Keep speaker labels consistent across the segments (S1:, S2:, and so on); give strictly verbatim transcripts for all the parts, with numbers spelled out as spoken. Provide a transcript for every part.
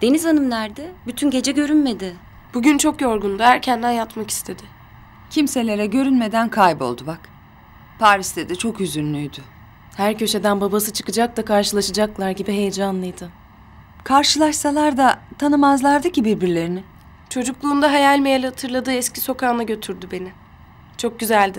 S1: Deniz Hanım nerede? Bütün gece görünmedi.
S2: Bugün çok yorgundu. Erkenden yatmak istedi.
S3: Kimselere görünmeden kayboldu bak. Paris'te de çok üzünlüydü.
S2: Her köşeden babası çıkacak da karşılaşacaklar gibi heyecanlıydı.
S3: Karşılaşsalar da tanımazlardı ki birbirlerini.
S2: Çocukluğunda hayal meyal hatırladığı eski sokağına götürdü beni. Çok güzeldi.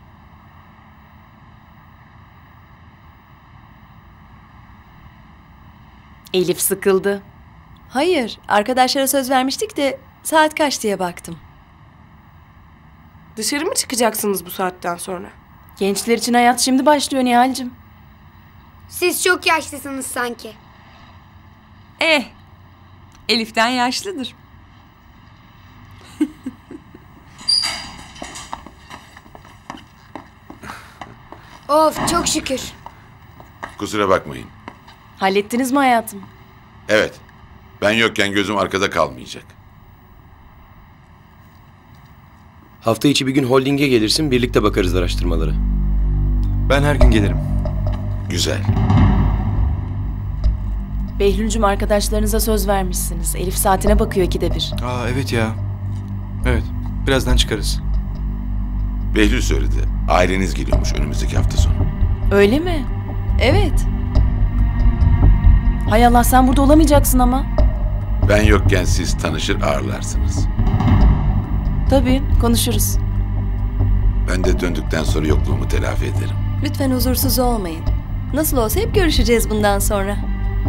S4: Elif sıkıldı. Hayır, arkadaşlara söz vermiştik de saat kaç diye baktım.
S2: Dışarı mı çıkacaksınız bu saatten sonra?
S4: Gençler için hayat şimdi başlıyor Nihal'cim.
S5: Siz çok yaşlısınız sanki.
S3: Eh, Elif'ten yaşlıdır.
S5: Of, çok şükür.
S6: Kusura bakmayın.
S4: Hallettiniz mi hayatım?
S6: Evet. Ben yokken gözüm arkada kalmayacak.
S7: Hafta içi bir gün holdinge gelirsin, birlikte bakarız araştırmalara.
S8: Ben her gün gelirim.
S6: Güzel.
S4: Behlül'cüm arkadaşlarınıza söz vermişsiniz. Elif saatine bakıyor ikide bir.
S8: Aa evet ya. Evet, birazdan çıkarız.
S6: Behlül söyledi. Aileniz geliyormuş önümüzdeki hafta sonu.
S4: Öyle mi? Evet. Hay Allah, sen burada olamayacaksın ama.
S6: Ben yokken siz tanışır ağırlarsınız.
S4: Tabii, konuşuruz.
S6: Ben de döndükten sonra yokluğumu telafi ederim.
S4: Lütfen huzursuz olmayın. Nasıl olsa hep görüşeceğiz bundan sonra.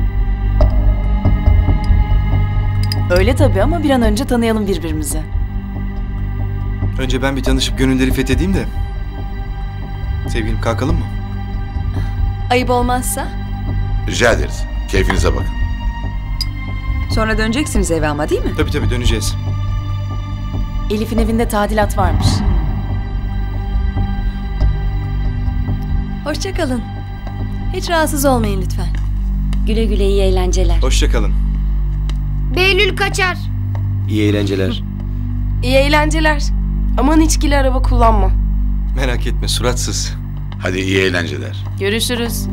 S4: Öyle tabii ama bir an önce tanıyalım birbirimizi.
S8: Önce ben bir tanışıp gönülleri fethedeyim de. Sevgilim, kalkalım mı?
S4: Ayıp olmazsa?
S6: Rica ederiz. Keyfinize bakın.
S3: Sonra döneceksiniz eve ama değil mi?
S8: Tabii tabii döneceğiz.
S4: Elif'in evinde tadilat varmış. Hoşça kalın. Hiç rahatsız olmayın lütfen.
S1: Güle güle, iyi eğlenceler.
S8: Hoşça kalın.
S5: Behlül kaçar.
S7: İyi eğlenceler.
S2: İyi eğlenceler. Aman içkili araba kullanma.
S8: Merak etme, suratsız.
S6: Hadi iyi eğlenceler.
S4: Görüşürüz.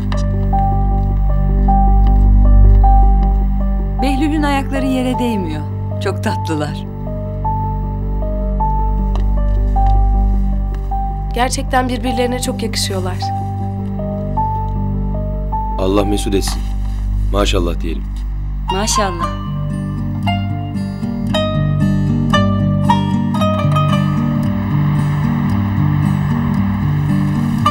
S3: Behlül'ün ayakları yere değmiyor. Çok tatlılar.
S2: Gerçekten birbirlerine çok yakışıyorlar.
S7: Allah mesut etsin. Maşallah diyelim.
S1: Maşallah.